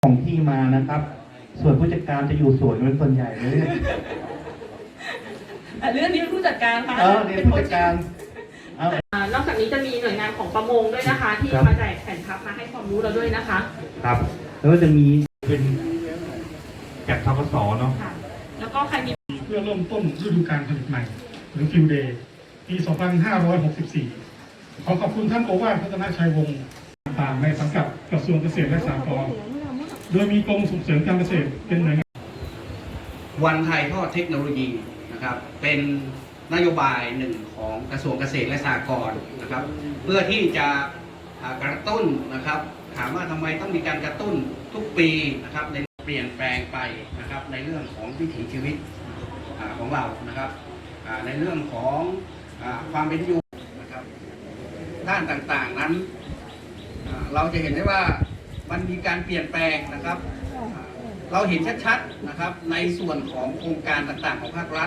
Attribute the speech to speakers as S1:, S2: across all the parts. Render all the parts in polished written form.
S1: ของที่มานะครับ ส่วนผู้จัดการจะอยู่สวนเป็นส่วนใหญ่เลย
S2: เรื่องนี้ผู้จัดการคะ
S1: เนี่ยผู้จัดการ
S2: นอกจากนี้จะมีหน่วยงานของประมงด้วยนะคะ ที่มาแจกแผ่นพับมาให้ความรู้เราด้วยนะคะ
S1: ครับแล้วก็จะมีเป็นจากทกสเนาะ
S2: แล้วก็ใครมี
S3: เพื่อเริ่มต้นฤดูกาลผลิตใหม่หรือฟิวเดย์ปี 2564 ขอขอบคุณท่านโอวาทพัฒนาชัยวงศ์ต่างในสังกัดกระทรวงเกษตรและสหกรณ์โดยมีกรมส่งเสริมการเกษตรเป็นหน่วยงาน
S4: วันถ่ายทอดเทคโนโลยีนะครับเป็นนโยบายหนึ่งของกระทรวงเกษตรและสหกรณ์นะครับเพื่อที่จะกระตุ้นนะครับถามว่าทำไมต้องมีการกระตุ้นทุกปีนะครับในเปลี่ยนแปลงไปนะครับในเรื่องของวิถีชีวิตของเรานะครับในเรื่องของความเป็นอยู่นะครับด้านต่างๆนั้นเราจะเห็นได้ว่ามันมีการเปลี่ยนแปลงนะครับเราเห็นชัดๆนะครับในส่วนของโครงการต่างๆของภาครัฐ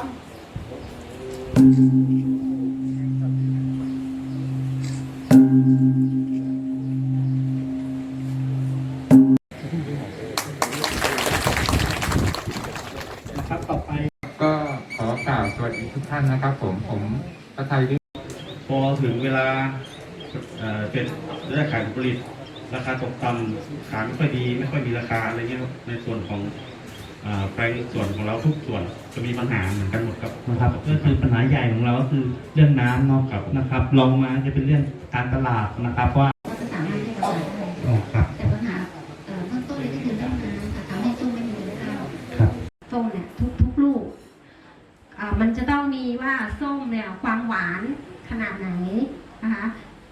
S1: นะครับต่อไป
S5: ก็ขอกล่าวสวัสดีทุกท่านนะครับผมพระไทย
S6: พอถึงเวลาเป็นเรื่องขายผลผลิตราคาตกต่ำขายไม่ค่อยดีไม่ค่อยมีราคาอะไรเงี้ยในส่วนของแปลงส่วนของเราทุกส่วนจะมีปัญหาเหมือนกันหมดครับ
S1: นะครับก็คือปัญหาใหญ่ของเราก็คือเรื่องน้ำเนาะนะครับลองมาจะเป็นเรื่องการตลาดนะครับว่า
S7: จะสามารถให้เราได้แต่ปัญหาเบื้องต้นเลยก็คือเรื่องน้ำค่ะทำให้ส้มไม่มีเนื้อข้าวส้มเนี่ยทุกลูกมันจะต้องมีว่าส้มเนี่ยความหวานขนาดไหนนะคะ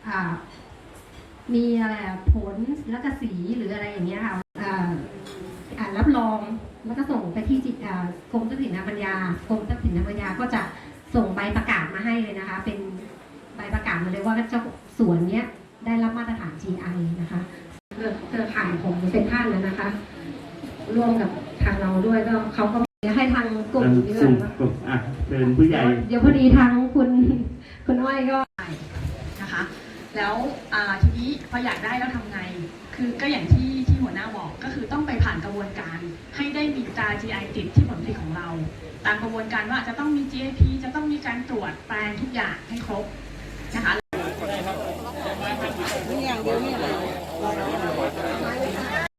S7: มีอะไรผลแล้วก็สีหรืออะไรอย่างเงี้ยค่ะรับรองแล้วก็ส่งไปที่กรมทรัพย์สินทางปัญญากรมทรัพย์สินทางปัญญาก็จะส่งใบประกาศมาให้เลยนะคะเป็นใบประกาศมาเลยว่าเจ้าสวนเนี้ยได้รับมาตรฐาน GI นะคะเครือข่ายของเป็นท่านแล้วนะคะร่วมกับทางเราด้วยก็เขาก็ให้ทางกลุ่มนี้เลยว่า
S1: เป็นผู้ใหญ่
S7: เดี๋ยวพอดีทางคุณอ้อยก็
S2: นะคะแล้วทีนี้พออยากได้แล้วทำไงคือก็อย่างที่หัวหน้าบอกก็คือต้องไปผ่านกระบวนการให้ได้มีตรา GI ติดที่ผลผลิตของเราตามกระบวนการว่าจะต้องมี GAP จะต้องมีการตรวจแปลงทุกอย่างให้ครบนะคะ
S8: นี่อย่างเดียวนี่อะไร